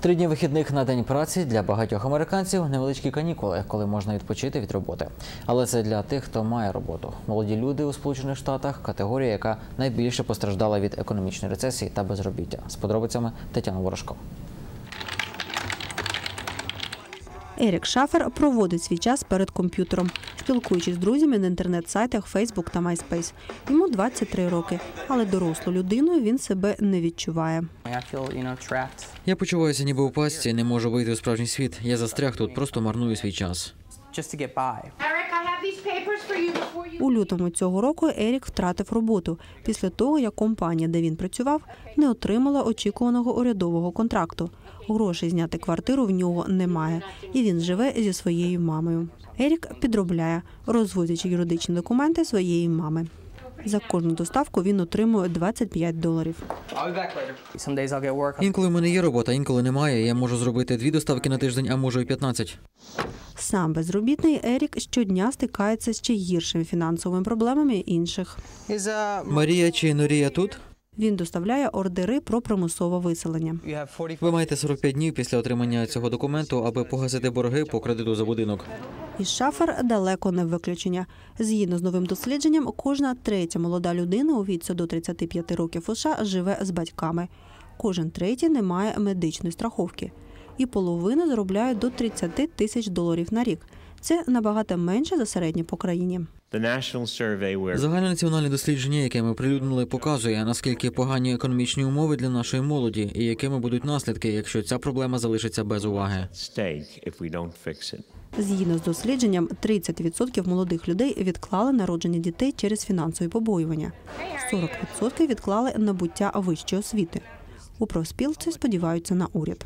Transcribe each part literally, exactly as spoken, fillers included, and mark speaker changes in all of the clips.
Speaker 1: Три дні вихідних на день праці для багатьох американців – невеличкі канікули, коли можна відпочити від роботи. Але це для тих, хто має роботу. Молоді люди у Сполучених Штатах – категорія, яка найбільше постраждала від економічної рецесії та безробіття. З подробицями Тетяна Ворожко.
Speaker 2: Ерік Шафер проводить свій час перед комп'ютером, спілкуючись з друзями на інтернет-сайтах Facebook та MySpace. Йому двадцять три роки, але дорослою людиною він себе не відчуває.
Speaker 1: Я почуваюся ніби у пастці, не можу вийти у справжній світ. Я застряг тут, просто марную свій час.
Speaker 2: У лютому цього року Ерік втратив роботу після того, як компанія, де він працював, не отримала очікуваного урядового контракту. Грошей зняти квартиру в нього немає, і він живе зі своєю мамою. Ерік підробляє, розвозячи юридичні документи своєї мами. За кожну доставку він отримує двадцять п'ять доларів.
Speaker 1: Інколи в мене є робота, інколи немає. Я можу зробити дві доставки на тиждень, а можу і п'ятнадцять.
Speaker 2: Сам безробітний Ерік щодня стикається з ще гіршими фінансовими проблемами інших.
Speaker 1: Марія чи Норія тут?
Speaker 2: Він доставляє ордери про примусове виселення.
Speaker 1: Ви маєте сорок п'ять днів після отримання цього документу, аби погасити борги по кредиту за будинок.
Speaker 2: І Шафер далеко не виключення. Згідно з новим дослідженням, кожна третя молода людина у віці до тридцяти п'яти років у США живе з батьками. Кожен третій не має медичної страховки. І половина заробляє до тридцяти тисяч доларів на рік. Це набагато менше за середнє по країні.
Speaker 1: Загальнонаціональне дослідження, яке ми оприлюднили, показує, наскільки погані економічні умови для нашої молоді і якими будуть наслідки, якщо ця проблема залишиться без уваги.
Speaker 2: Згідно з дослідженням, тридцять відсотків молодих людей відклали народження дітей через фінансові побоювання. сорок відсотків відклали набуття вищої освіти. У профспілці сподіваються на уряд.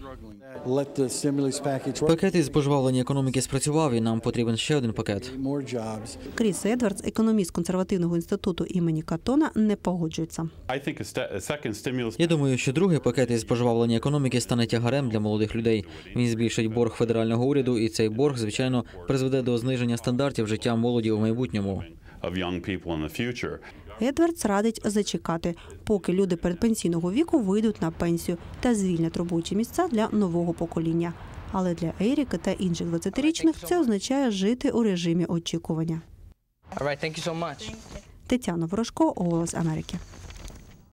Speaker 1: Пакет із пожвавлення економіки спрацював, і нам потрібен ще один пакет.
Speaker 2: Кріс Едвардс, економіст консервативного інституту імені Катона, не погоджується.
Speaker 1: Я думаю, що другий пакет із пожвавлення економіки стане тягарем для молодих людей. Він збільшить борг федерального уряду, і цей борг, звичайно, призведе до зниження стандартів життя молоді у майбутньому.
Speaker 2: Едвардс радить зачекати, поки люди передпенсійного віку вийдуть на пенсію та звільнять робочі місця для нового покоління. Але для Еріка та інших двадцятирічних це означає жити у режимі очікування. Тетяна Ворожко, «Голос Америки».